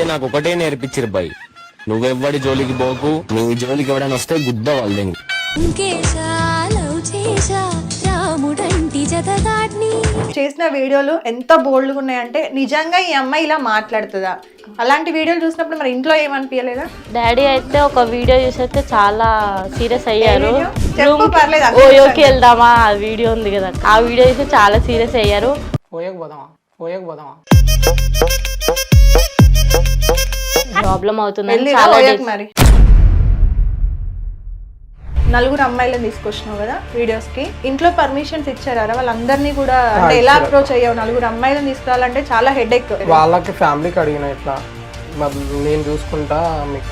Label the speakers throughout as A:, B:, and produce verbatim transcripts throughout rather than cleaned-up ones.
A: నాకు ఒకటే నేర్పించిరు బాయ్, నువ్వెవ్వడి జోలికి పోకు, నీ జోలికి ఎవడైనా వస్తే గుద్ద వాళ్ళని.
B: చేసిన వీడియోలు ఎంత బోల్డ్గా ఉన్నాయంటే నిజంగా ఈ అమ్మాయి ఇలా మాట్లాడుతుందా? అలాంటి వీడియోలు చూసినప్పుడు మరి ఇంట్లో ఏమనిపించలేదా?
C: డాడీ అయితే ఒక వీడియో చూసి అయితే చాలా సీరియస్ అయ్యారు.
B: చెప్పు పర్లేదు, అక్కడ
C: ఓయోకి వెళ్దామా ఆ వీడియో ఉంది కదా, ఆ వీడియో చూసి చాలా సీరియస్ అయ్యారు.
D: పోయకు పోదామా పోయకు పోదామా
C: ప్రాబ్లం అవుతుందని
B: వెళ్ళిరా
C: చాలా
B: ఓయకు
C: days-
B: మరి. నలుగురు అమ్మాయిలను తీసుకొచ్చినావు కదా వీడియోస్ కి, ఇంట్లో పర్మిషన్స్ ఇచ్చారా వాళ్ళందరినీ కూడా? అంటే ఎలా అప్రోచ్ అయ్యావు? నలుగురు అమ్మాయిలను తీసుకురావాలంటే చాలా హెడ్ ఎక్.
D: వాళ్ళకి ఫ్యామిలీకి అడిగిన ఇట్లా మరి నేను చూసుకుంటా మీకు.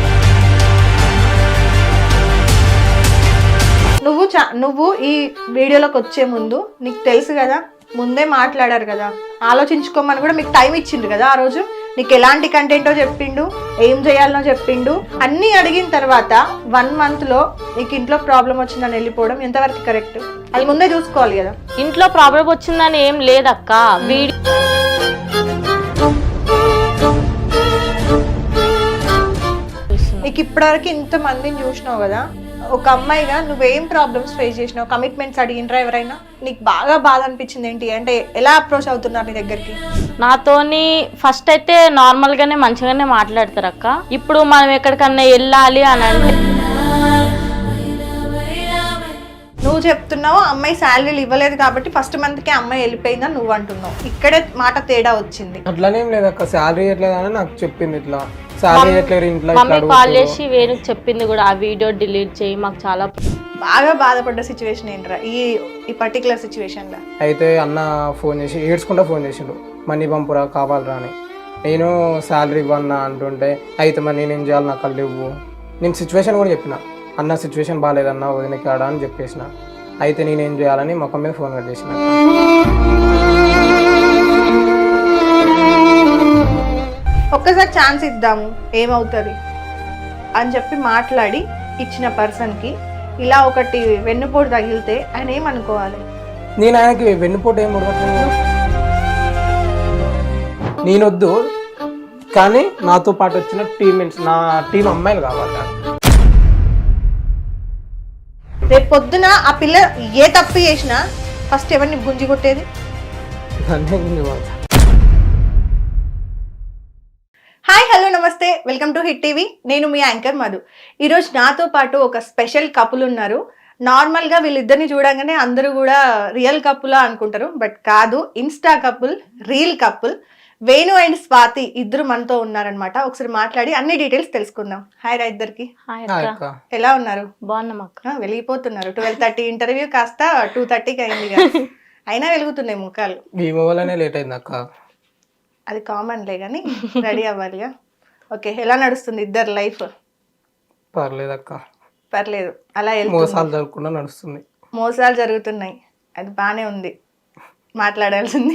B: నువ్వు చా- నువ్వు ఈ వీడియోలోకి వచ్చే ముందు నీకు తెలుసు కదా, ముందే మాట్లాడారు కదా, ఆలోచించుకోమని కూడా మీకు టైం ఇచ్చిండు కదా ఆ రోజు. నీకు ఎలాంటి కంటెంటో చెప్పిండు, ఏం చేయాలనో చెప్పిండు, అన్నీ అడిగిన తర్వాత వన్ మంత్ లో నీకు ఇంట్లో ప్రాబ్లం వచ్చిందని వెళ్ళిపోవడం ఎంతవరకు కరెక్ట్? అది ముందే చూసుకోవాలి కదా.
C: ఇంట్లో ప్రాబ్లం వచ్చిందని ఏం లేదక్క. వీడియో
B: నీకు ఇప్పటివరకు ఇంత మందిని చూసినావు కదా, ఒక అమ్మాయిగా నువ్వేం ప్రాబ్లమ్స్ ఫేస్ చేసినావు? కమిట్మెంట్స్ అడిగినరా ఎవరైనా? నీకు బాగా బాధ అనిపించింది ఏంటి? అంటే ఎలా అప్రోచ్ అవుతున్నారు నీ దగ్గరికి?
C: నాతోని ఫస్ట్ అయితే నార్మల్ గానే మంచిగానే మాట్లాడతారు అక్క. ఇప్పుడు మనం ఎక్కడికన్నా వెళ్ళాలి అని అంటే
B: నువ్వు చెప్తున్నావు అమ్మాయి శాలరీలు ఇవ్వలేదు కాబట్టి ఫస్ట్ మంత్ కి అమ్మాయి వెళ్ళిపోయిందని నువ్వు అంటున్నావు. ఇక్కడే మాట తేడా వచ్చింది.
D: అట్లానేం లేదక్క, శాలరీ ఎట్లేదని నాకు చెప్పింది. ఇట్లా శాలరీ ఎట్లేదు ఇంట్లో
C: మమ్మీ కాల్ చేసి వేణుకి చెప్పింది కూడా, ఆ వీడియో డిలీట్ చేయి, మాకు చాలా
B: బాగా బాధపడ్డ సిచ్యువేషన్ ఏంట్రా ఈ ఈ పర్టికులర్ సిచ్యువేషన్ లో?
D: అయితే అన్న ఫోన్ చేసి ఏడ్చుకుంటా ఫోన్ చేసిండు, మనీ పంపురా కావాలరా అని. నేను శాలరీ ఇవ్వన్నా అంటుంటే అయితే మరి నేనేం చేయాలి, నాకు కళ్ళు ఇవ్వు. నేను సిచ్యువేషన్ కూడా చెప్పిన, అన్న సిచ్యువేషన్ బాగాలేదన్న వదిన కాడా అని చెప్పేసిన. అయితే నేనేం చేయాలని ముఖం మీద ఫోన్ కట్ చేసిన.
B: ఒక్కసారి ఛాన్స్ ఇద్దాము ఏమవుతుంది అని చెప్పి మాట్లాడి ఇచ్చిన పర్సన్కి ఇలా ఒకటి వెన్నుపోటు తగిలితే ఆయన ఏమనుకోవాలి?
D: నేను ఆయనకి వెన్నుపోటు ఏం ఉడకట్లేదు, నేనొద్దు, కానీ నాతో పాటు వచ్చిన టీమేట్స్, నా టీం అమ్మాయిలు కావాలి.
B: రేపు పొద్దున ఆ పిల్ల ఏ తప్పు చేసినా ఫస్ట్ ఎవరిని గుంజి కొట్టేది?
D: అన్నీ ఉంది మాట.
B: హాయ్ హలో నమస్తే, వెల్కమ్ టు హిట్ టీవీ. నేను మీ యాంకర్ మధు. ఈరోజు నాతో పాటు ఒక స్పెషల్ కపుల్ ఉన్నారు. నార్మల్గా వీళ్ళిద్దరిని చూడగానే అందరూ కూడా రియల్ కపులా అనుకుంటారు, బట్ కాదు, insta couple, reel couple. Venu and Swathi ఇద్దరు మనతో ఉన్నారనమాట. ఒకసారి మాట్లాడి అన్ని డీటెయిల్స్ తెలుసుకుందాం. హాయ్ రా ఇద్దరికి,
C: హాయ్
D: హాయ్
C: అక్క.
D: అక్క.
B: ఎలా ఉన్నారు?
C: బాగున్నాం అక్క.
B: ఆ, వెలిగిపోతున్నారు. ట్వెల్వ్ థర్టీ ఇంటర్వ్యూ కాస్త టూ థర్టీకి అయింది కదా, అయినా వెలుగుతున్నాయి ముఖాలు.
D: ఈమె వల్లనే లేట్ అయింది అక్క.
B: అది కామన్లే కానీ రెడీ అవ్వాలిగా. ఓకే, ఎలా నడుస్తుంది ఇద్దరు లైఫ్?
D: పర్లేదు అక్క,
B: పర్లేదు, అలా వెళ్తుంది.
D: మోసాలు జరగకుండా నడుస్తుంది.
B: మోసాలు జరుగుతున్నాయి, అది బానే ఉంది, మాట్లాడాల్సింది.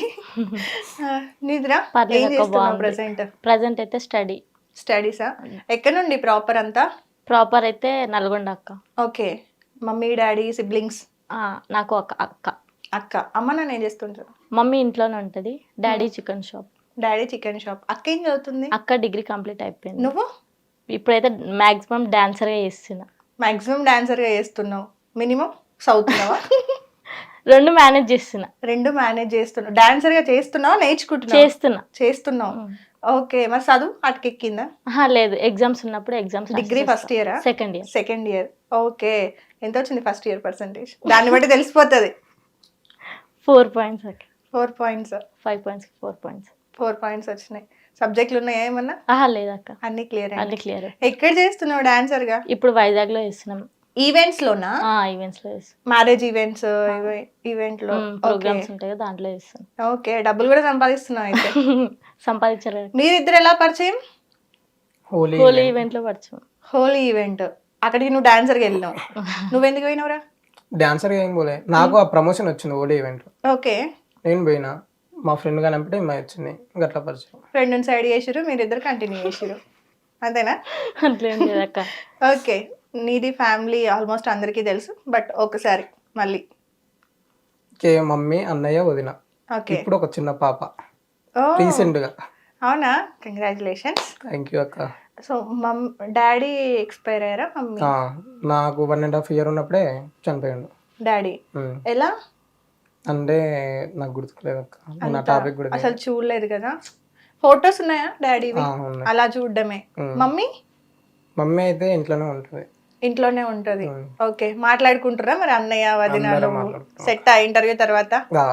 B: నిద్రా ఏం చేస్తున్నావు ప్రెసెంట్?
C: ప్రజెంట్ అయితే స్టడీ.
B: స్టడీసా? ఎక్కడ నుండి ప్రాపర్ అంతా?
C: ప్రాపర్ అయితే నల్గొండ అక్క.
B: Okay, mummy daddy siblings?
C: ఆ, నాకు ఒక అక్క.
B: అక్క. అమ్మ నాన్న ఏం చేస్తుంటారు?
C: మమ్మీ ఇంట్లోనే ఉంటుంది, daddy chicken shop.
B: Daddy chicken shop. అక్క ఏం చదువుతుంది?
C: అక్క డిగ్రీ కంప్లీట్ అయిపోయింది.
B: నువ్వు?
C: ఇప్పుడైతే మాక్సిమం డాన్సర్గా చేస్తున్నా.
B: మాక్సిమం డాన్సర్గా చేస్తున్నావు, మినిమం చదువుతున్నావా?
C: రెండు మేనేజ్ చేస్తున్నా.
B: రెండు మేనేజ్ చేస్తున్నావు. డాన్సర్గా చేస్తున్నావా నేర్చుకుంటున్నావా?
C: చేస్తున్నా.
B: చేస్తున్నావు. ఓకే, మరి చదువు అటుకెక్కిందా?
C: ఆహా, లేదు, ఎగ్జామ్స్ ఉన్నప్పుడు ఎగ్జామ్స్.
B: డిగ్రీ ఫస్ట్ ఇయరా?
C: Second year.
B: Second year. Okay, ఎంత వచ్చింది ఫస్ట్ ఇయర్ పర్సంటేజ్? దాన్ని బట్టి తెలిసిపోతుంది.
C: ఫోర్ పాయింట్స్ అక్క.
B: Four points
C: five points four points
B: four points వచ్చినాయి. సబ్జెక్టులు ఉన్నాయా ఏమన్నా?
C: ఆహా, లేదక్క,
B: అన్ని క్లియర్
C: అన్ని క్లియర్.
B: ఎక్కడ చేస్తున్నావు డాన్సర్ గా?
C: ఇప్పుడు వైజాగ్ లో చేస్తున్నాం.
B: ఈవెంట్స్ లోనా?
C: ఈవెంట్స్ లో చేస్తాం.
B: మ్యారేజ్ ఈవెంట్స్, ఈవెంట్ లో
C: ప్రోగ్రామ్స్ ఉంటాయి కదా, దాంట్లో చేస్తాం.
B: ఓకే, డబ్బులు కూడా సంపాదిస్తున్నావు అయితే.
C: సంపాదించారు.
B: మీరిద్దరు ఎలా పరిచయం?
D: హోలీ
C: హోలీ ఈవెంట్ లో పరిచయం.
B: హోలీ ఈవెంట్. అక్కడికి నువ్వు డాన్సర్ గా వెళ్ళినావు. నువ్వెందుకు పోయినావురా?
D: డాన్సర్గా ఏం పోలే, నాకు ఆ ప్రమోషన్ వచ్చింది హోలీ ఈవెంట్.
B: ఓకే,
D: నేను పోయినా, మా ఫ్రెండ్ గా నంపితే మా వచ్చింది, గట్ల పరిచయం.
B: ఫ్రెండ్ సైడ్ చేసిరు, మీరిద్దరు కంటిన్యూ చేసిరు, అంతేనా?
C: అట్లేం లేదక్క.
B: ఓకే, నీది ఫ్యామిలీ ఆల్మోస్ట్ అందరికీ తెలుసు, బట్ ఒకసారి మళ్ళీ
D: కే మమ్మీ, అన్నయ్య, వదిన,
B: ఓకే.
D: ఇప్పుడు ఒక చిన్న పాప
B: ఓ,
D: రీసెంట్ గా.
B: అవునా, కంగ్రాచులేషన్స్.
D: థ్యాంక్ యూ అక్క.
B: సో మమ్ డాడీ ఎక్స్పైర్ అయ్యారా? మమ్మీ
D: ఆ, నాకు వన్ అండ్ హాఫ్ ఇయర్ ఉన్నప్పుడే చనిపోయాడు
B: డాడీ.
D: ఉమ్.
B: ఎలా
D: అంటే నాకు గుర్తులేదు అక్క, నా టాపిక్ కూడా
B: అసలు చూడలేదు కదా. ఫొటోస్ ఉన్నాయా డాడీ?
D: ఆ, ఉన్నాయి.
B: అలా చూడడమే. మమ్మీ
D: మమ్మీ అయితే ఇంట్లోనే ఉంటుంది.
B: ఇంట్లోనే ఉంటది. ఓకే, మాట్లాడుకుంటారా మరి అన్నయ్య వదినాలు?
D: మాట్లాడుకుంటాం.
B: సెట్ ఆ ఇంటర్వ్యూ తర్వాత?
D: ఆ,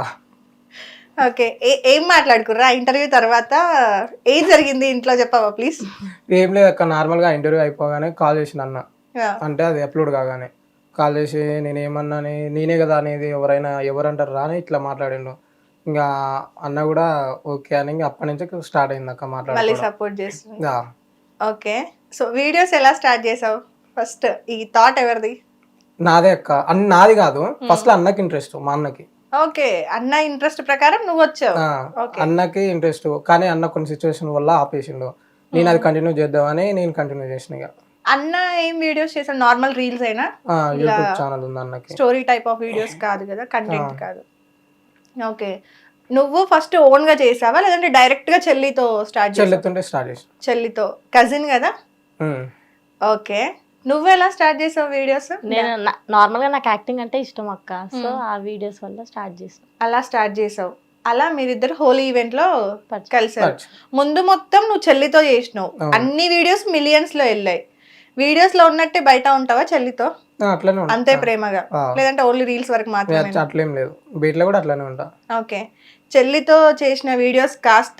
B: ఓకే, ఏం మాట్లాడుకుర్రా ఇంటర్వ్యూ తర్వాత? ఏం జరిగింది ఇంట్లో చెప్పవా ప్లీజ్?
D: ఏం లేదు అక్క, నార్మల్గా ఇంటర్వ్యూ అయిపోగానే కాల్ చేసిన అన్న, అంటే అది అప్లోడ్ కాగానే కాల్ చేసి నేనేమన్నా నేనే కదా అనేది, ఎవరైనా ఎవరంటారు రా అని ఇట్లా మాట్లాడిండు. ఇంకా అన్న కూడా ఓకే అని ఇంకా అప్పటి నుంచి స్టార్ట్ అయింది అక్క
B: మళ్ళీ
D: మాట్లాడి.
B: సపోర్ట్ చేస్తుంది. ఓకే, సో వీడియోస్ ఎలా స్టార్ట్ చేసావు? ఫస్ట్ ఈ థాట్ ఎవరిది?
D: నాదే అక్క. అన్ని నాది కాదు, ఫస్ట్ లో అన్నకి ఇంట్రెస్ట్, మా అన్నకి.
B: ఓకే, అన్న ఇంట్రెస్ట్ ప్రకారం నువ్వు వచ్చావు.
D: ఆ, అన్నకి ఇంట్రెస్ట్, కానీ అన్న కొన్ని సిచ్యువేషన్ వల్ల ఆపేసిండు. నేను అది కంటిన్యూ చేద్దామని నేను కంటిన్యూ చేసిన. ఇక
B: అన్న ఏం వీడియోస్ చేసావు? నార్మల్ రీల్స్ అయినా?
D: యూట్యూబ్ ఛానల్ ఉంది అన్నకి.
B: స్టోరీ టైప్ ఆఫ్ వీడియోస్ కాదు కదా, కంటెంట్ కాదు. ఓకే, నువ్వు ఫస్ట్ ఓన్ గా చేసావా లేదంటే డైరెక్ట్ గా చెల్లితో స్టార్ట్ చేసావా?
D: చెల్లితుంటే స్టార్ట్ చేసిన.
B: చెల్లితో, కజిన్ కదా.
D: ఉమ్.
B: ఓకే, నువ్వు ఎలా స్టార్ట్ చేసావు వీడియోస్?
C: నేను నార్మల్ గా నాకు యాక్టింగ్ అంటే ఇష్టం అక్క, సో ఆ వీడియోస్ వల్ల స్టార్ట్ చేసాను.
B: అలా స్టార్ట్ చేసావు. అలా మీరిద్దరు హోలీ ఈవెంట్ లో కలిసారు.
D: Touch.
B: ముందు మొత్తం నువ్వు చెల్లితో చేసినావు, అన్ని వీడియోస్ మిలియన్స్ లో వెళ్ళాయి. వీడియోస్ లో ఉన్నట్టే బయట ఉంటావా చెల్లితో?
D: ఆ, అట్లనే ఉంటా.
B: అంతే ప్రేమగా,
D: ఆ.
B: లేదంటే ఓన్లీ రీల్స్ వరకు మాత్రమే?
D: అట్లేం లేదు, బీట్లో కూడా అట్లనే ఉంటా.
B: ఓకే, చెల్లితో చేసిన వీడియోస్ కాస్త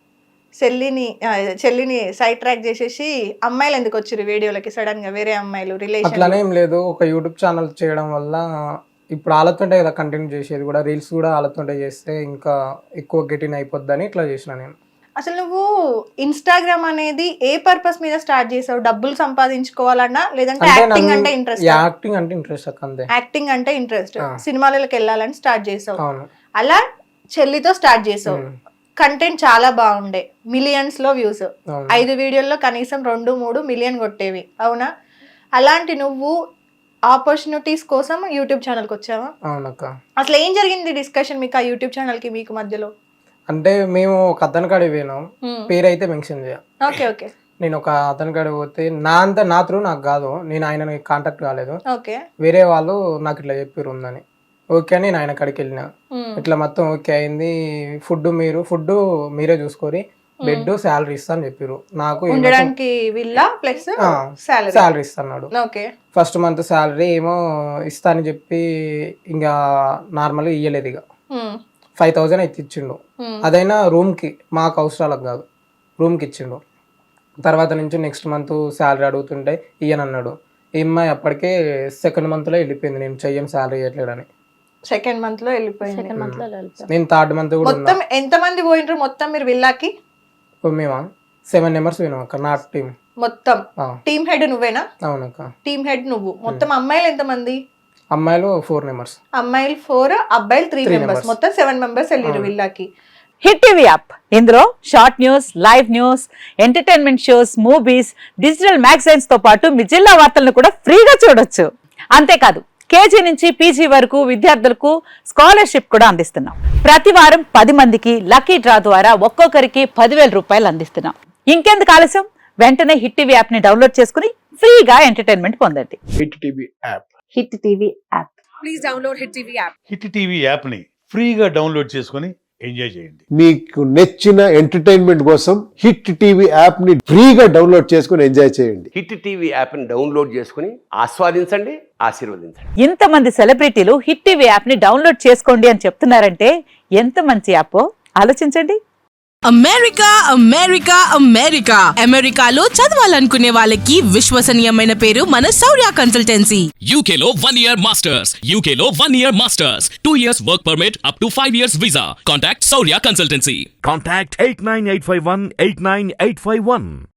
B: చెల్లిని ఆ, చెల్లిని సైడ్ ట్రాక్ చేసేసి అమ్మాయిలు ఎందుకు వచ్చారు వీడియోలకి సడన్ గా? వేరే అమ్మాయిలు రిలేషన్?
D: అట్లానే ఏం లేదు, ఒక యూట్యూబ్ ఛానల్ చేయడం వల్ల ఇప్పుడు ఆలతుంటే కదా కంటిన్యూ చేసేది కూడా, రీల్స్ కూడా ఆలతుంటే చేస్తే ఇంకా ఎక్కువ గెటిన్ అయిపోద్దని ఇట్లా చేసిన నేను.
B: అసలు నువ్వు ఇన్స్టాగ్రామ్ అనేది ఏ పర్పస్ మీద స్టార్ట్ చేసావు? డబ్బులు సంపాదించుకోవాలన్నా లేదంటే యాక్టింగ్ అంటే ఇంట్రెస్ట్?
D: యాక్టింగ్ అంటే ఇంట్రెస్ట్ అక్క, అంతే.
B: యాక్టింగ్ అంటే ఇంట్రెస్ట్, సినిమాలకు వెళ్ళాలని స్టార్ట్ చేసావు.
D: అవును.
B: అలా చెల్లితో స్టార్ట్ చేసావు. కంటెంట్ చాలా బాగుండే, మిలియన్స్ లో వ్యూస్.
D: అవును.
B: ఐదు వీడియోల్లో కనీసం రెండు మూడు మిలియన్ కొట్టేవి, అవునా? అలాంటి నువ్వు ఆపర్చునిటీస్ కోసం యూట్యూబ్ ఛానల్కి వచ్చావా?
D: అవునక్క.
B: అసలు ఏం జరిగింది డిస్కషన్ మీకు ఆ యూట్యూబ్ ఛానల్ కి మీకు మధ్యలో?
D: అంటే మేము ఒక అతని కాడికి పోయినాం, పేరు అయితే మెన్షన్ చేయ.
B: ఓకే ఓకే,
D: నేను ఒక అతని కాడికి పోతే నా అంతా నా త్రూ నాకు కాదు, నేను ఆయన కాంటాక్ట్ కాలేదు,
B: ఓకే,
D: వేరే వాళ్ళు నాకు ఇట్లా చెప్పారు ఉందని. ఓకే అని నేను ఆయన కాడికి వెళ్ళిన. ఇట్లా మొత్తం ఓకే అయింది, ఫుడ్ మీరు ఫుడ్ మీరే చూసుకొని బెడ్ శాలరీ ఇస్తా అని చెప్పారు. నాకు
B: ఉండడానికి విల్లా ప్లస్ సాలరీ
D: శాలరీ ఇస్తున్నాడు.
B: ఓకే,
D: ఫస్ట్ మంత్ శాలరీ ఏమో ఇస్తా అని చెప్పి ఇంకా నార్మల్గా ఇయ్యలేదు. ఇక ఫైవ్ థౌజండ్ అయితే ఇచ్చిండు, అదైనా రూమ్కి, మాకు అవసరాలకు కాదు, రూమ్కి ఇచ్చిండు. తర్వాత నుంచి నెక్స్ట్ మంత్ శాలరీ అడుగుతుంటే ఇయ్యనన్నాడు. ఈ అమ్మాయి అప్పటికే సెకండ్ మంత్లో వెళ్ళిపోయింది, నేను చెయ్యం శాలరీ ఇవ్వట్లేడని.
B: సెకండ్ మంత్ లో వెళ్ళిపోయింది.
C: సెకండ్ మంత్ లో
D: నేను థర్డ్ మంత్ కూడా
B: మొత్తం ఎంత మంది పోయినరు మొత్తం మీరు విల్లాకి?
D: మేమా సెవెన్ మెంబర్స్ పోయినాం అక్క, నా టీం
B: మొత్తం. టీమ్ హెడ్ నువ్వేనా?
D: అవునక్క.
B: టీమ్ హెడ్ నువ్వు. మొత్తం అమ్మాయిలు ఎంత మంది?
D: అమ్మాయిలు ఫోర్ మెంబర్స్.
B: అమ్మాయిలు ఫోర్, అబ్బాయిలు త్రీ మెంబర్స్, మొత్తం సెవెన్ మెంబర్స్ వెళ్ళారు విల్లాకి.
E: హిట్ టీవీ యాప్, ఇందులో short news, live news, entertainment shows, movies, digital magazines తో పాటు మీ జిల్లా వార్తలను కూడా ఫ్రీగా చూడొచ్చు. అంతేకాదు కేజీ నుంచి పీజీ వరకు విద్యార్థులకు స్కాలర్షిప్ కూడా అందిస్తున్నాం. ప్రతి వారం పది మందికి లక్కీ డ్రా ద్వారా ఒక్కొక్కరికి పదివేల రూపాయలు అందిస్తున్నాం. ఇంకెందుకు ఆలస్యం, వెంటనే హిట్ టీవీ యాప్ ని డౌన్లోడ్ చేసుకుని ఫ్రీగా ఎంటర్టైన్మెంట్ పొందండి.
F: Hit TV app.
E: Hit TV app.
G: Please download Hit TV app.
H: Hit TV యాప్ని ఫ్రీగా డౌన్లోడ్ చేసుకొని ఎంజాయ్ చేయండి.
F: మీకు నచ్చిన ఎంటర్టైన్మెంట్ కోసం హిట్ టీవీ యాప్ ని ఫ్రీగా డౌన్లోడ్ చేసుకుని ఎంజాయ్ చేయండి.
I: హిట్ టీవీ యాప్ని డౌన్లోడ్ చేసుకుని ఆస్వాదించండి, ఆశీర్వదించండి.
E: ఇంతమంది సెలబ్రిటీలు హిట్ టీవీ యాప్ ని డౌన్లోడ్ చేసుకోండి అని చెప్తున్నారంటే ఎంత మంచి యాప్ ఆలోచించండి.
G: అమెరికా అమెరికా అమెరికా అమెరికాలో చదవాలనుకునే వాళ్ళకి విశ్వసనీయమైన పేరు మన శౌర్య కన్సల్టెన్సీ.
J: U K లో one year masters, U K లో one year masters, two years work permit up to five years visa. Contact Saurya Consultancy.
K: Contact eight nine eight five one eight nine eight five one.